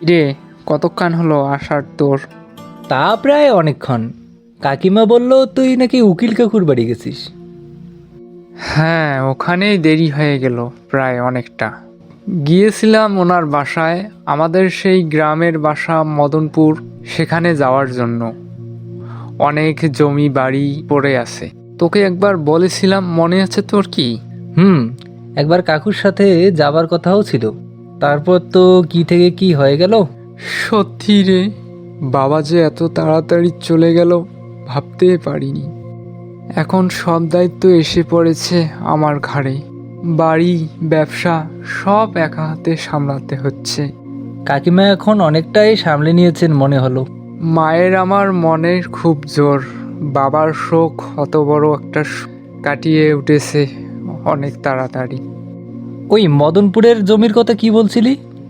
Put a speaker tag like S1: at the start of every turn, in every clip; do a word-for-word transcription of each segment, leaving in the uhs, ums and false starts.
S1: রে, কতক্ষণ হলো আসার তোর?
S2: তা প্রায় অনেকক্ষণ। কাকিমা বলল তুই নাকি উকিল কাকুর বাড়ি গেছিস।
S1: হ্যাঁ, ওখানেই দেরি হয়ে গেল প্রায় অনেকটা। গিয়েছিলাম ওনার বাসায়, আমাদের সেই গ্রামের বাসা মদনপুর, সেখানে যাওয়ার জন্য। অনেক জমি বাড়ি পড়ে আছে, তোকে একবার বলেছিলাম, মনে আছে তোর কি?
S2: হুম, একবার কাকুর সাথে যাবার কথাও ছিল, তারপর তো কি থেকে কি হয়ে গেল।
S1: সত্যি রে, বাবা যে এত তাড়াতাড়ি চলে গেল ভাবতে পারিনি। এখন সব দায়িত্ব এসে পড়েছে আমার ঘাড়ে। বাড়ি, ব্যবসা সব একা হাতে সামলাতে হচ্ছে।
S2: কাকিমা এখন অনেকটাই সামলে নিয়েছেন মনে হলো।
S1: মায়ের আমার মনের খুব জোর। বাবার শোক অত বড় একটা শোক কাটিয়ে উঠেছে অনেক তাড়াতাড়ি।
S2: ওই মদনপুরের জমির কথা কি বলছিলি?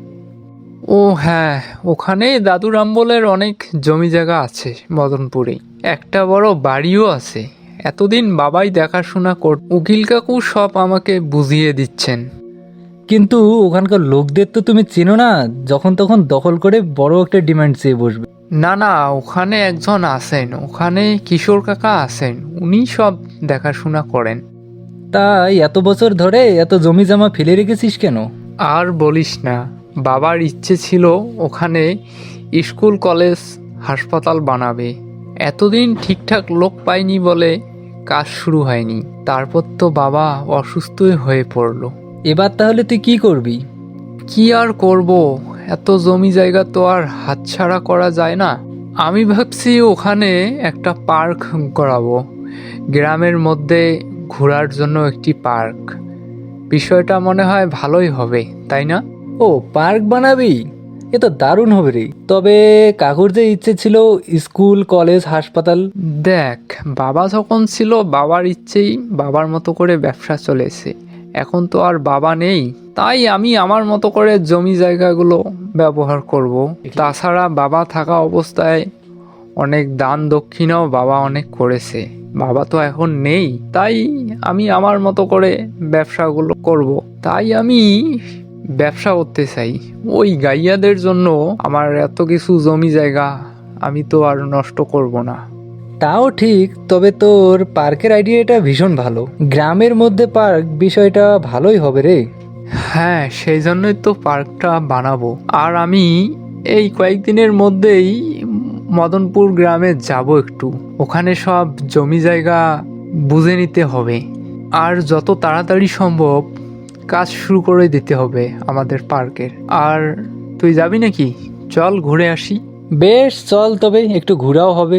S1: ও হ্যাঁ, ওখানে দাদুর আমবলের অনেক জমি জায়গা আছে মদনপুরে। একটা বড় বাড়িও আছে। এতদিন বাবাই দেখাশোনা কর, উকিল কাকু সব আমাকে বুঝিয়ে দিচ্ছেন।
S2: কিন্তু ওখানকার লোকদের তো তুমি চেনো না, যখন তখন দখল করে বড় একটা ডিমান্ড চেয়ে বসবে।
S1: না না, ওখানে একজন আছেন, ওখানে কিশোর কাকা আছেন, উনি সব দেখাশোনা করেন।
S2: তাই এত বছর ধরে এত জমি জমা ফেলে রেখেছিস কেন?
S1: আর বলিস না, বাবার ইচ্ছে ছিল ওখানে স্কুল, কলেজ, হাসপাতাল বানাবে। এতদিন ঠিকঠাক লোক পাইনি বলে কাজ শুরু হয়নি। তারপর তো বাবা অসুস্থই হয়ে পড়লো।
S2: এবার তাহলে তুই কি করবি?
S1: কি আর করব, এত জমি জায়গা তো আর হাতছাড়া করা যায় না। আমি ভাবছি ওখানে একটা পার্ক করাবো, গ্রামের মধ্যে ঘোরার জন্য একটি পার্ক। বিষয়টা মনে হয় ভালোই হবে, তাই না?
S2: ও, পার্ক বানাবি? এ তো দারুণ হবে রে। তবে কাকুর যে ইচ্ছে ছিল স্কুল, কলেজ, হাসপাতাল।
S1: দেখ, বাবা যখন ছিল বাবার ইচ্ছেই বাবার মতো করে ব্যবসা চলেছে। এখন তো আর বাবা নেই, তাই আমি আমার মতো করে জমি জায়গাগুলো ব্যবহার করব। তাছাড়া বাবা থাকা অবস্থায় অনেক দান দক্ষিণাও বাবা অনেক করেছে। বাবা তো এখন নেই, তাই আমি আমার মতো করে ব্যবসাগুলো করব। তাই আমি ব্যবসা করতে চাই। ওই গাইয়াদের জন্য আমার এত কিছু জমি জায়গা আমি তো আর নষ্ট করব না।
S2: তাও ঠিক, তবে তোর পার্কের আইডিয়াটা ভীষণ ভালো। গ্রামের মধ্যে পার্ক, বিষয়টা ভালোই হবে রে।
S1: হ্যাঁ, সেই জন্যই তো পার্কটা বানাবো। আর আমি এই কয়েকদিনের মধ্যেই মদনপুর গ্রামে যাব একটু। ওখানে সব জমি জায়গা বুঝে নিতে হবে, আর যত তাড়াতাড়ি সম্ভব কাজ শুরু করে দিতে হবে আমাদের পার্কের। আর তুই যাবি নাকি? চল ঘুরে আসি।
S2: বেশ, চল তবে, একটু ঘোরাও হবে।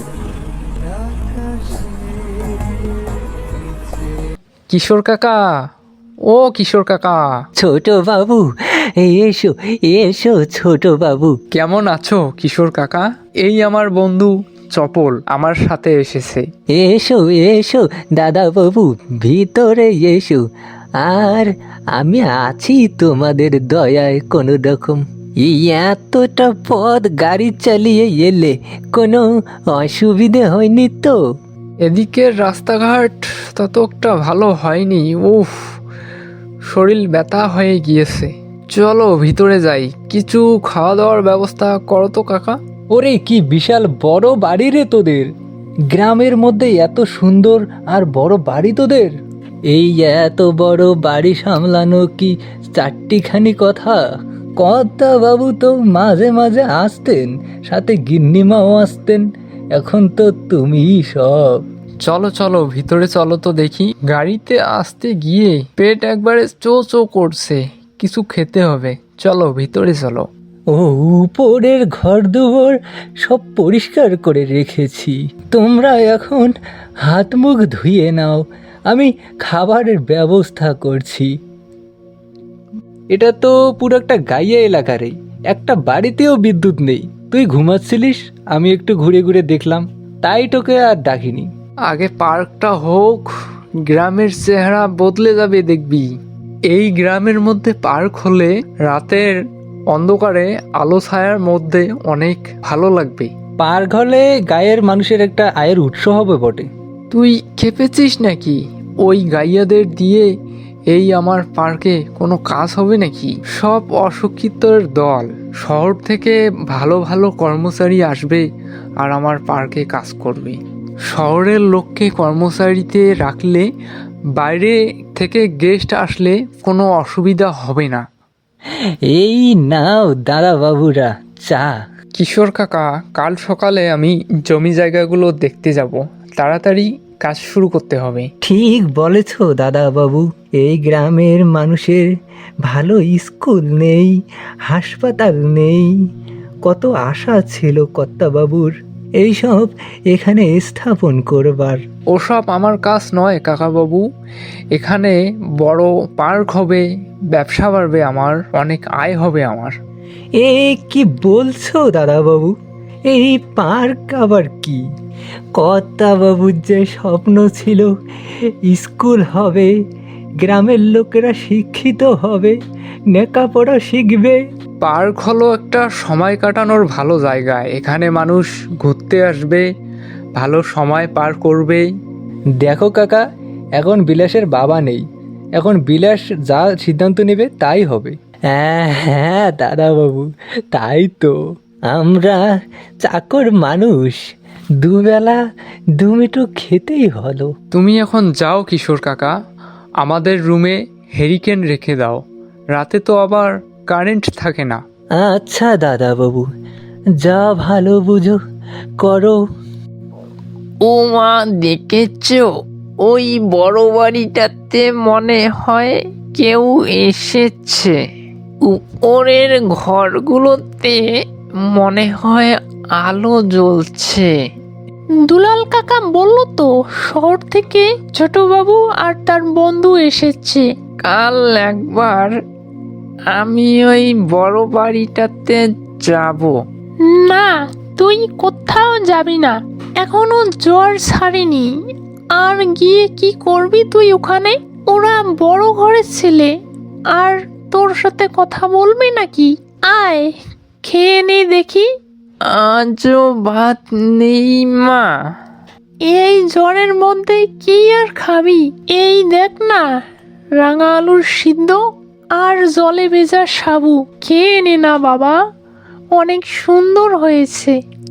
S1: কিশোর কাকা, ও কিশোর কাকা,
S3: ছোট বাবু, এসো এসো ছোট বাবু।
S1: কেমন আছো কিশোর কাকা? এই আমার বন্ধু চপল আমার সাথে এসেছে।
S3: এসো এসো দাদা বাবু, ভিতরে এসো। আর আমি আছি তোমাদের দয়ায় কোনো রকম। এই এতটা পথ গাড়ি চালিয়ে এলে কোনো অসুবিধে হয়নি তো?
S1: এদিকের রাস্তাঘাট তত একটা ভালো হয়নি। উফ, শরীর ব্যথা হয়ে গিয়েছে। চলো ভিতরে যাই, কিছু খাওয়া দাওয়ার ব্যবস্থা করো তো কাকা।
S2: ওরে, কি বিশাল বড় বাড়ি রে তোদের! গ্রামের মধ্যে এত সুন্দর আর বড় বাড়ি তোদের!
S3: এই এত বড় বাড়ি সামলানো কি চারটিখানি কথা?
S2: কর্তা বাবু তো মাঝে মাঝে আসতেন, সাথে গিন্নিমাও আসতেন। এখন তো তুমিই সব।
S1: চলো চলো ভিতরে চলো তো দেখি। গাড়িতে আসতে গিয়ে পেট একবারে চো চো করছে, কিছু খেতে হবে। চলো ভিতরে চলো।
S2: ও, উপরের ঘর দুয়ার সব পরিষ্কার করে রেখেছি। তোমরা এখন হাত মুখ ধুয়ে নাও, আমি খাবারের ব্যবস্থা করছি। এটা তো পুরো একটা গাইয়া এলাকা রে, একটা বাড়িতেও বিদ্যুৎ নেই। তুই ঘুমাচ্ছিলিস, আমি একটু ঘুরে ঘুরে দেখলাম, তাই তোকে আর ডাকিনি।
S1: আগে পার্কটা হোক, গ্রামের চেহারা বদলে যাবে দেখবি। এই গ্রামের মধ্যে পার্ক হলে রাতের অন্ধকারে আলো ছায়ার মধ্যে অনেক ভালো লাগবে।
S2: পার্ক হলে গায়ের মানুষের একটা আয়ের উৎস হবে বটে।
S1: তুই খেপেছিস নাকি? ওই গাইয়াদের দিয়ে এই আমার পার্কে কোনো কাজ হবে নাকি? সব অশিক্ষিতর দল। শহর থেকে ভালো ভালো কর্মচারী আসবে আর আমার পার্কে কাজ করবে। শহরের লোককে কর্মচারীতে রাখলে বাইরে থেকে গেস্ট আসলে কোনো অসুবিধা হবে না।
S2: এই নাও দাদা বাবুরা চা।
S1: কিশোর কাকা, কাল সকালে আমি জমি জায়গাগুলো দেখতে যাব। তাড়াতাড়ি কাজ শুরু করতে হবে।
S2: ঠিক বলেছ দাদা বাবু, এই গ্রামের মানুষের ভালো স্কুল নেই, হাসপাতাল নেই। কত আশা ছিল কর্তাবাবুর এইসব এখানে স্থাপন করবার।
S1: ওসব আমার কাজ নয় কাকাবাবু। এখানে বড় পার্ক হবে, ব্যবসা বাড়বে, আমার অনেক আয় হবে আমার।
S2: এ কি বলছো দাদা বাবু? এই পার্ক আবার কি? কর্তাবাবুর যে স্বপ্ন ছিল স্কুল হবে, গ্রামের লোকেরা শিক্ষিত হবে, লেখাপড়া শিখবে।
S1: পার্ক হলো একটা সময় কাটানোর ভালো জায়গা। এখানে মানুষ ঘুরতে আসবে, ভালো সময় পার করবে।
S2: দেখো কাকা, এখন বিলাসের বাবা নেই, এখন বিলাস যা সিদ্ধান্ত নেবে তাই হবে। হ্যাঁ হ্যাঁ দাদা বাবু, তাই তো। আমরা চাকর মানুষ, দুবেলা দুমিটো খেতেই হলো।
S1: তুমি এখন যাও কিশোর কাকা, আমাদের রুমে হেরিকেন রেখে দাও। রাতে তো আবার কারেন্ট থাকে না।
S2: আচ্ছা দাদা বাবু, যা ভালো বুঝো করো।
S4: ও মা, দেখেছো ওই বড় বাড়িটাতে মনে হয় কেউ এসেছে। উপরের ঘরগুলোতে মনে হয় আলো জ্বলছে।
S5: দুলাল কাকা বলল তো শহর থেকে ছোটবাবু আর তার বন্ধু এসেছে।
S4: কাল একবার আমি ওই বড় বাড়িটাতে যাব।
S5: না, তুই কোথাও যাবি না, এখনো জ্বর ছাড়েনি। আর গিয়ে কি করবি তুই ওখানে? ওরা বড় ঘরের ছেলে, আর তোর সাথে কথা বলবে নাকি? আয়, খেয়ে নে দেখি।
S4: আজও ভাত নেই মা।
S5: এই জ্বরের মধ্যে কি আর খাবি? এই দেখ না, রাঙা আলুর সিদ্ধ আর জলে ভেজা সাবু। খেয়ে নে না বাবা, অনেক সুন্দর হয়েছে।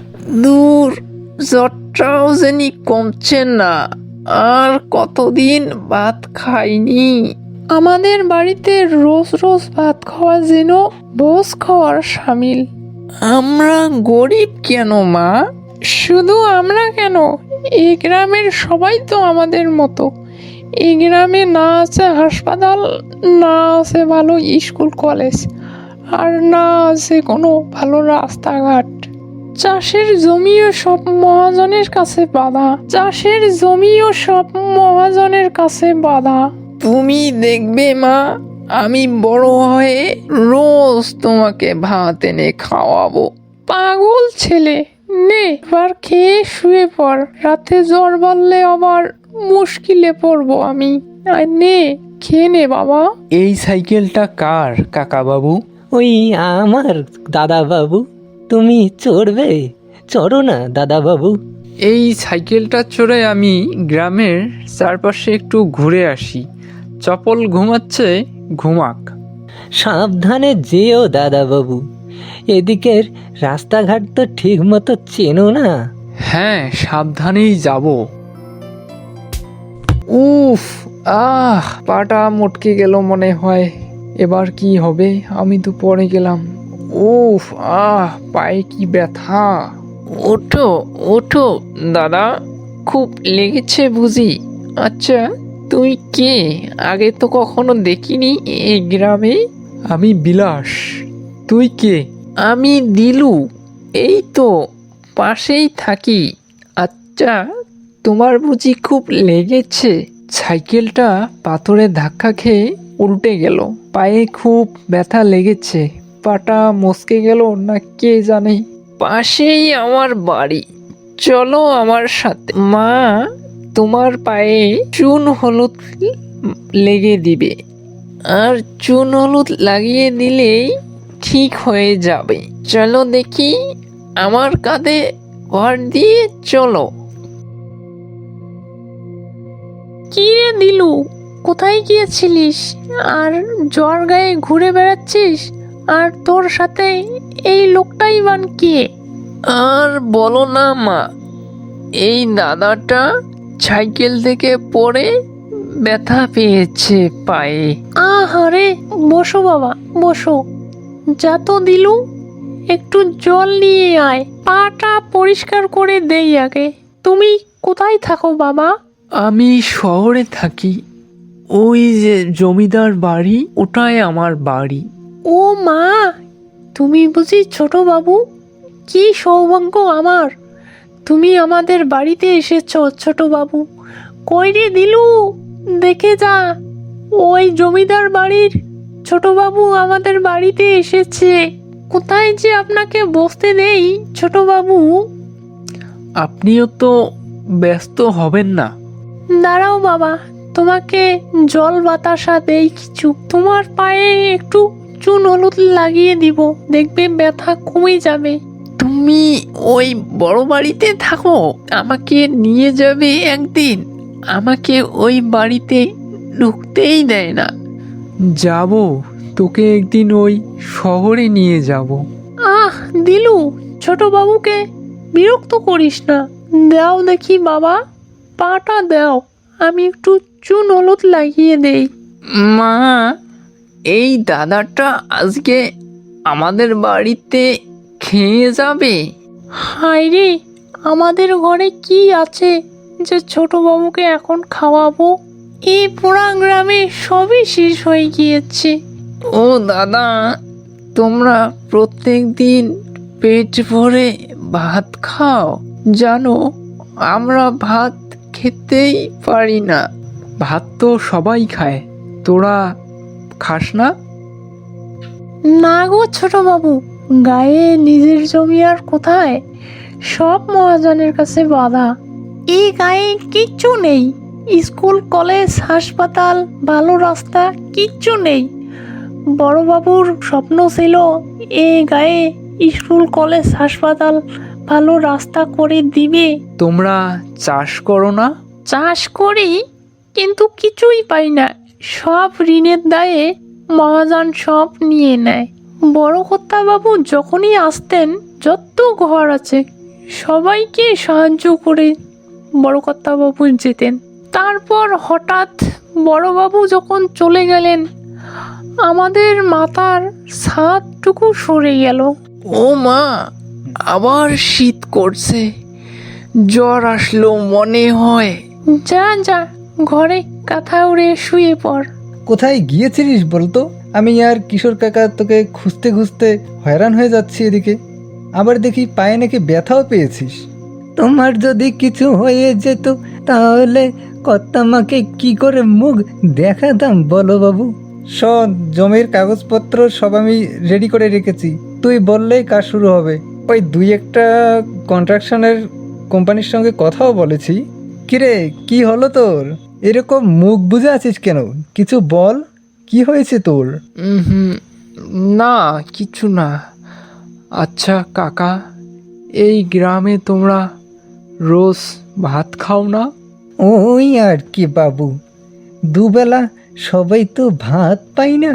S4: দূর, জ্বরটাও যেন কমছে না। আর কতদিন ভাত খাইনি।
S5: আমাদের বাড়িতে রোজ রোজ ভাত খাওয়া যেন ভোজ খাওয়ার সামিল।
S4: আমরা গরিব কেন মা?
S5: শুধু আমরা কেন, এই গ্রামের সবাই তো আমাদের মতো। এই গ্রামে না আছে হাসপাতাল, না আছে ভালো স্কুল কলেজ, আর না আছে কোনো ভালো রাস্তাঘাট। চাষের জমিও সব মহাজনের কাছে বাঁধা, চাষের জমিও সব মহাজনের কাছে বাঁধা।
S4: তুমি দেখবে মা, আমি বড় হয়ে রোজ তোমাকে ভাত এনে খাওয়াবো।
S5: পাগল ছেলে, নে এবার খেয়ে শুয়ে পড়, রাতে জ্বর বাড়লে আবার মুশকিলে পড়বো আমি। আর নে, খেয়ে নে বাবা।
S1: এই সাইকেলটা কার কাকাবাবু?
S2: ওই আমার দাদা বাবু, তুমি চড়বে? চড়ো না দাদা বাবু।
S1: এই সাইকেলটা চড়ে আমি গ্রামের চারপাশে একটু ঘুরে আসি। চপল ঘুমাচ্ছে, ঘুমাক।
S2: সাবধানে যেও দাদা বাবু, এদিকের রাস্তাঘাট তো ঠিক মতো চেনো না।
S1: হ্যাঁ, সাবধানেই যাব। উফ, আহ, পাটা মটকে গেল মনে হয়। এবার কি হবে? আমি তো পড়ে গেলাম। উফ, আহ, পায়ে কি ব্যথা।
S4: ওঠো ওঠো দাদা, খুব লেগেছে বুঝি? আচ্ছা, তুই কে? আগে তো কখনো দেখিনি এই গ্রামে।
S1: আমি বিলাস। তুই কে?
S4: আমি দিলু, এই তো পাশেই থাকি। আচ্ছা, তোমার বুঝি খুব লেগেছে?
S1: সাইকেলটা পাথরে ধাক্কা খেয়ে উল্টে গেল। পায়ে খুব ব্যথা লেগেছে। পাটা মচকে গেল না কে জানে।
S4: পাশেই আমার বাড়ি, চলো আমার সাথে। মা তোমার পায়ে চুন হলুদ লেগে দিবে, আর চুন হলুদ লাগিয়ে দিলেই ঠিক হয়ে যাবে। চলো দেখি, আমার কাঁধে ভর দিয়ে চলো।
S5: কি রে দিলু, কোথায় গিয়েছিলিস আর জ্বর গায়ে ঘুরে বেড়াচ্ছিস? আর তোর সাথে এই লোকটাই বান কে?
S4: আর বলো না মা, এই দাদাটা সাইকেল থেকে পড়ে ব্যথা পেয়েছে পায়ে।
S5: আহারে, বসো বাবা বসো। যা তো দিলু, একটু জল নিয়ে আয়, পাটা পরিষ্কার করে দেই আগে। তুমি কোথায় থাকো বাবা?
S1: আমি শহরে থাকি। ওই যে জমিদার বাড়ি, ওটাই আমার বাড়ি।
S5: ও মা, তুমি বুঝি ছোট বাবু? কি সৌভাগ্য আমার, তুমি আমাদের বাড়িতে এসেছো ছোট বাবু। কই রে দিলু, দেখে যা, ওই জমিদার বাড়ির ছোট বাবু আমাদের বাড়িতে এসেছে। কোথায় যে আপনাকে বসতে দেই ছোট বাবু?
S1: আপনিও তো ব্যস্ত হবেন না।
S5: দাঁড়াও বাবা, তোমাকে জল বাতাসা দেই কিছু। তোমার পায়ে একটু চুন হলুদ লাগিয়ে দিব, দেখবে ব্যথা কমে যাবে।
S4: তুমি ওই বড় বাড়িতে থাকো, আমাকে নিয়ে যাবে একদিন। আমাকে ওই বাড়িতে ঢুকতেই দেয় না।
S1: যাব, তোকে একদিন ওই শহরে নিয়ে যাব।
S5: আহ দিলু, ছোট বাবুকে বিরক্ত করিস না। দাও দেখি বাবা, পাটা দাও, আমি একটু চুন হলুদ লাগিয়ে দেই।
S4: মা, এই দাদাটা আজকে আমাদের বাড়িতে খেয়ে যাবে।
S5: হায় রে, আমাদের ঘরে কি আছে যে ছোট বাবুকে এখন খাওয়াবো? এই পোড়া গ্রামে সবই শেষ হয়ে গিয়েছে।
S4: ও দাদা, তোমরা প্রত্যেক দিন পেট ভরে ভাত খাও? জানো, আমরা ভাত খেতেই পারি না।
S1: ভাত তো সবাই খায়, তোরা খাস না?
S5: না গো ছোট বাবু, গায়ে নিজের জমি আর কোথায়, সব মহাজনের কাছে বাধা। এই গায়ে কিচ্ছু নেই, স্কুল কলেজ হাসপাতাল ভালো রাস্তা কিচ্ছু নেই। বড়বাবুর স্বপ্ন ছিল এই গায়ে স্কুল কলেজ হাসপাতাল ভালো রাস্তা করে দিবে।
S1: তোমরা চাষ করো না?
S5: চাষ করি, কিন্তু কিছুই পাই না। সব ঋণের দায়ে মহাজন সব নিয়ে নেয়। বড় কর্তাবাবু যখনই আসতেন, যত ঘর আছে সবাইকে সাহায্য করে বড় কর্তাবাবু যেতেন। তারপর হঠাৎ বড়বাবু যখন চলে গেলেন, আমাদের মাথার ছাদটুকু সরে গেল।
S4: ও মা, আবার শীত করছে, জ্বর আসলো মনে হয়।
S5: যা যা, ঘরে কাঁথা উড়ে শুয়ে পড়।
S2: কোথায় গিয়েছিলিস বলতো? আমি আর কিশোর কাকা তোকে খুঁজতে খুঁজতে হয়রান হয়ে যাচ্ছি এদিকে। আবার দেখি পায়ে নাকি ব্যথাও পেয়েছিস। তোমার যদি কিছু হয়ে যেত তাহলে কর্তামাকে কি করে মুখ দেখাতাম বলো বাবু? শোন, জমির কাগজপত্র সব আমি রেডি করে রেখেছি, তুই বললেই কাজ শুরু হবে। ওই দুই একটা কন্ট্রাকশনের কোম্পানির সঙ্গে কথাও বলেছি। কিরে, কি হলো তোর? এরকম মুখ বুজে আছিস কেন? কিছু বল, কি হয়েছে তোর?
S1: হুম, না কিছু না। আচ্ছা কাকা, এই গ্রামে তোমরা রোজ ভাত খাও না?
S2: ওই আর কি বাবু, দুবেলা সবাই তো ভাত পাই না,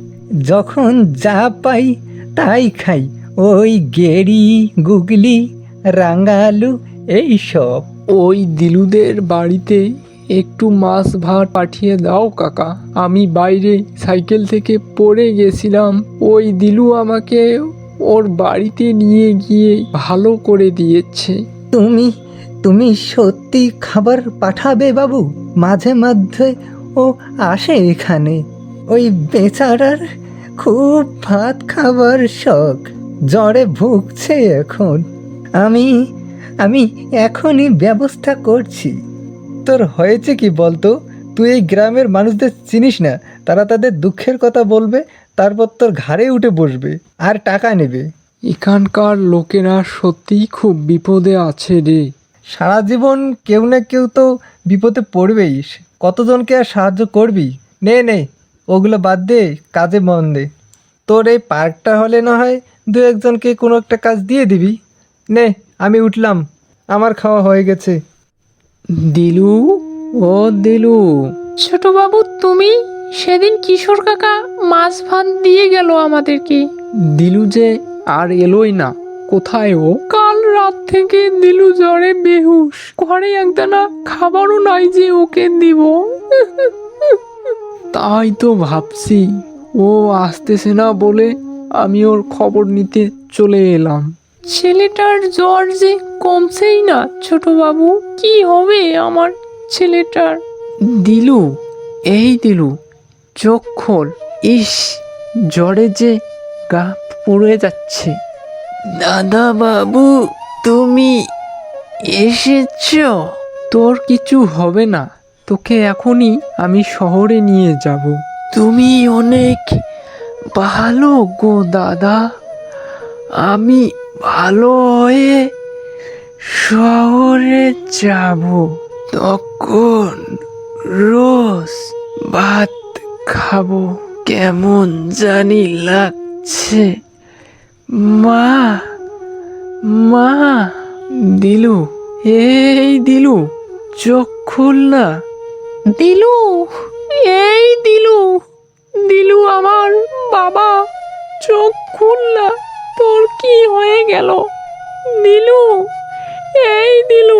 S2: যখন যা পাই তাই খাই। ওই গেড়ি গুগলি রাঙা আলু এই সব।
S1: ওই দিলুদের বাড়িতে একটু মাছ ভাত পাঠিয়ে দাও কাকা। আমি বাইরে সাইকেল থেকে পড়ে গেছিলাম, ওই দিলু আমাকে ওর বাড়িতে নিয়ে গিয়ে ভালো করে দিয়েছে।
S2: তুমি তুমি সত্যি খাবার পাঠাবে বাবু? মাঝে মধ্যে ও আসে এখানে, ওই বেচারার খুব ভাত খাবার শখ, জ্বরে ভুগছে এখন। আমি আমি এখনই ব্যবস্থা করছি। তোর হয়েছে কি বলতো? তুই এই গ্রামের মানুষদের চিনিস না, তারা তাদের দুঃখের কথা বলবে, তারপর তোর ঘাড়ে উঠে বসবে আর টাকা নেবে।
S1: এখানকার লোকেরা সত্যিই খুব বিপদে আছে রে।
S2: সারা জীবন কেউ না কেউ তো বিপদে পড়বেই, কতজনকে আর সাহায্য করবি? নে নে, ওগুলো বাদ দে, কাজে মন দে। তোর এই পার্কটা হলে না হয় দু একজনকে কোনো একটা কাজ দিয়ে দিবি। নে, আমি উঠলাম, আমার খাওয়া হয়ে গেছে।
S1: দিলু, ও দিলু,
S5: ছোটবাবু তুমি সেদিন কিশোর কাকা মাছ ভাত দিয়ে গেল আমাদেরকে।
S1: দিলু যে আর এলোই না, কোথায় ও?
S5: কাল রাত থেকে দিলু জ্বরে বেহুশ, ঘরে একদানা খাবারও নাই যে ওকে দিব।
S1: তাই তো ভাবছি, ও আসতেছে না বলে আমি ওর খবর নিতে চলে এলাম।
S5: ছেলেটার জ্বর যে কমছেই না ছোটবাবু, কি হবে আমার ছেলেটার?
S1: দিলু, এই দিলু, চোখ খোল। ইস, জ্বরে যে গা পুড়ে যাচ্ছে।
S4: দাদা বাবু, তুমি এসেছো?
S1: তোর কিছু হবে না, তোকে এখনই আমি শহরে নিয়ে যাব।
S4: তুমি অনেক ভালো গো দাদা। আমি ভালো হয়ে শহরে যাব, তখন রোজ ভাত খাবো। কেমন জানি লাগছে। মা, মা।
S1: দিলু, এই দিলু, চোখ খুল না।
S5: দিলু, এই দিলু, দিলু আমার বাবা, চোখ খুল না, তোর কি হয়ে গেল? দিলু, এই দিলু।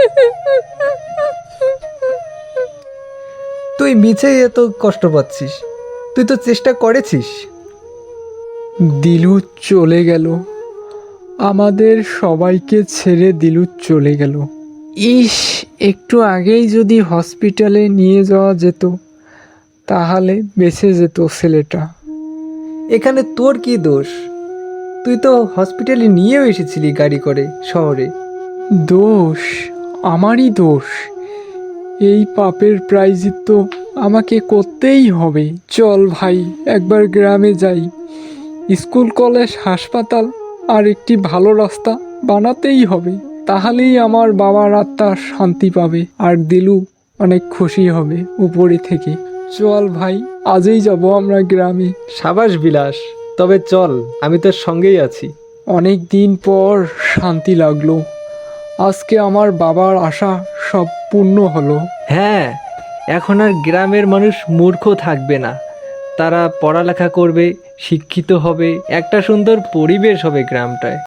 S2: তুই মিছেই এত কষ্ট পাচ্ছিস, তুই তো চেষ্টা করেছিস।
S1: দিলু চলে গেল, আমাদের সবাইকে ছেড়ে দিলু চলে গেল। ইস, একটু আগেই যদি হসপিটালে নিয়ে যাওয়া যেত, তাহলে বেঁচে যেত ছেলেটা।
S2: এখানে তোর কি দোষ? তুই তো হসপিটালে নিয়েও এসেছিলি গাড়ি করে শহরে।
S1: দোষ? আমারই দোষ? এই পাপের প্রায়শ্চিত্ত আমাকে করতেই হবে। চল ভাই, একবার গ্রামে যাই। স্কুল, কলেজ, হাসপাতাল আর একটি ভালো রাস্তা বানাতেই হবে। তাহলেই আমার বাবার আত্মা শান্তি পাবে আর দিলু অনেক খুশি হবে উপরে থেকে। চল ভাই, আজই যাব আমরা গ্রামে।
S2: সাবাস বিলাস, তবে চল, আমি তোর সঙ্গেই আছি।
S1: অনেক দিন পর শান্তি লাগলো। আজকে আমার বাবার আশা সব পূর্ণ হলো।
S2: হ্যাঁ, এখন আর গ্রামের মানুষ মূর্খ থাকবে না, তারা পড়ালেখা করবে, শিক্ষিত হবে, একটা সুন্দর পরিবেশ হবে গ্রামটায়।